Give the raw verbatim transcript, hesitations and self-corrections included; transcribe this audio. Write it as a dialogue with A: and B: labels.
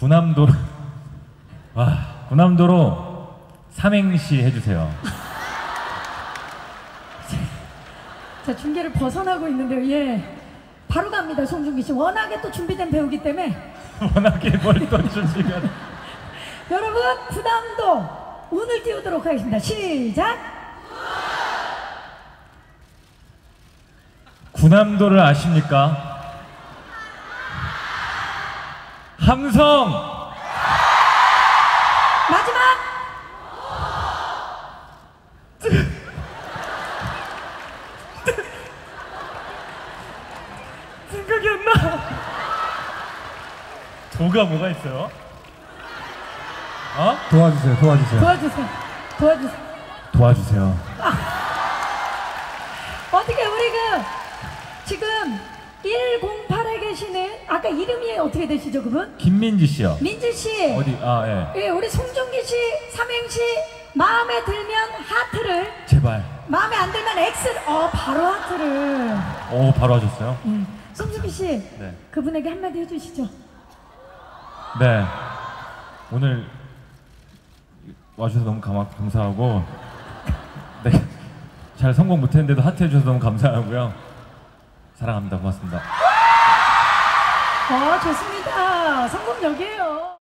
A: 구남도로 와 구남도로 삼행시 해주세요.
B: 자, 중계를 벗어나고 있는데요. 예, 바로 갑니다. 송중기 씨 워낙에 또 준비된 배우기 때문에
A: 워낙에 뭘 또 준비가.
B: 여러분, 구남도 오늘 띄우도록 하겠습니다. 시작.
A: 구남도를 아십니까? 함성.
B: 마지막.
A: 생각이 안 나. 도가 뭐가 있어요? 어?
C: 도와주세요, 도와주세요.
B: 도와주세요. 도와주세요.
A: 도와주세요.
B: 어떻게 우리 그 지금 일공팔에 계시는 아까 이름이 어떻게 되시죠, 그분?
A: 김민지 씨요.
B: 민지 씨.
A: 어디? 아 예.
B: 예, 우리 송중기 씨 삼행시 마음에 들면 하트를,
A: 제발.
B: 마음에 안 들면 X를. 어, 바로 하트를.
A: 오 바로 하셨어요?
B: 예. 송중기 씨,
A: 네.
B: 그분에게 한마디 해주시죠.
A: 네. 오늘 와주셔서 너무 감, 감사하고 네. 잘 성공 못했는데도 하트 해주셔서 너무 감사하고요. 사랑합니다. 고맙습니다.
B: 어, 좋습니다. 성공적이에요.